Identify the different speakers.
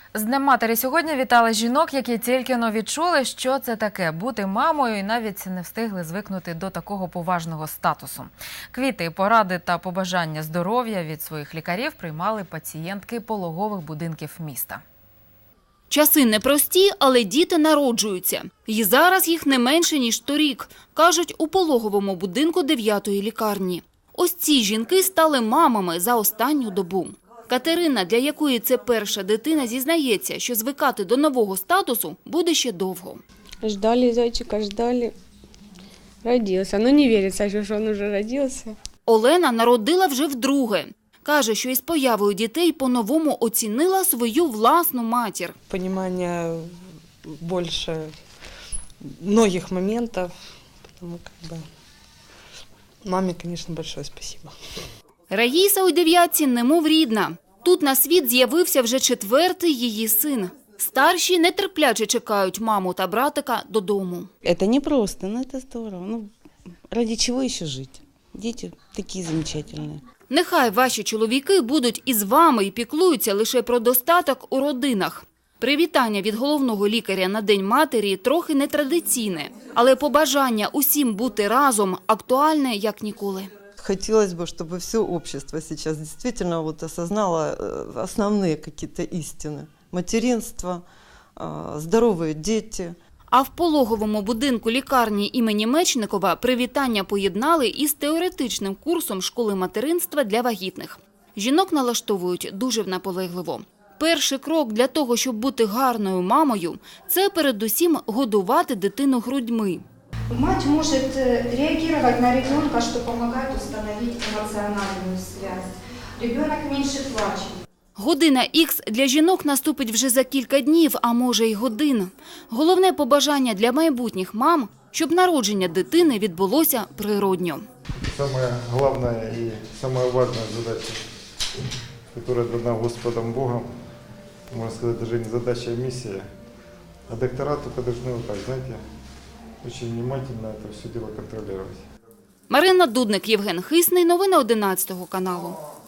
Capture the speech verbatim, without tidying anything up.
Speaker 1: З Днем матері сьогодні вітали жінок, які тільки-но відчули, що це таке – бути мамою, і навіть не встигли звикнути до такого поважного статусу. Квіти, поради та побажання здоров'я від своїх лікарів приймали пацієнтки пологових будинків міста.
Speaker 2: Часи непрості, але діти народжуються. І зараз їх не менше, ніж торік, кажуть у пологовому будинку дев'ятої лікарні. Ось ці жінки стали мамами за останню добу. Катерина, для якої це перша дитина, зізнається, що звикати до нового статусу буде ще довго.
Speaker 3: Ждали зайчика, ждали. Родився. Ну не віриться, що він вже родився.
Speaker 2: Олена народила вже вдруге. Каже, що із появою дітей по-новому оцінила свою власну матір.
Speaker 4: Понимание больше многих моментов, потому как бы маме, конечно, большое спасибо.
Speaker 2: Раїса у дев'ятці немов рідна. Тут на світ з'явився вже четвертий її син. Старші нетерпляче чекають маму та братика додому.
Speaker 5: Это не просто, но это здорово. Ну, ради чего еще жить? Дети такие замечательные.
Speaker 2: Нехай ваші чоловіки будуть із вами і піклуються лише про достаток у родинах. Привітання від головного лікаря на День матері трохи нетрадиційне, але побажання усім бути разом актуальне як ніколи.
Speaker 6: Хотелось бы, чтобы все общество сейчас действительно вот осознало основные какие-то истины. Материнство, здоровые дети.
Speaker 2: А в пологовому будинку лікарні імені Мечникова привітання поєднали із теоретичним курсом школи материнства для вагітних. Жінок налаштовують дуже наполегливо. Перший крок для того, щоб бути гарною мамою – це передусім годувати дитину грудьми.
Speaker 7: Мать может реагировать на ребенка, что помогает установить эмоциональную связь. Ребенок меньше плачет.
Speaker 2: Година ікс для жінок наступить вже за кілька днів, а може й годин. Головне побажання для майбутніх мам – щоб народження дитини відбулося природньо.
Speaker 8: Самая главная и самая важная задача, которая дана Господом Богом, можно сказать, даже не задача, а миссия. А доктора только должны вот так, знаете, очень внимательно это все дело контролировать.
Speaker 2: Марина Дудник, Євген Хисний. Новини одинадцятого каналу.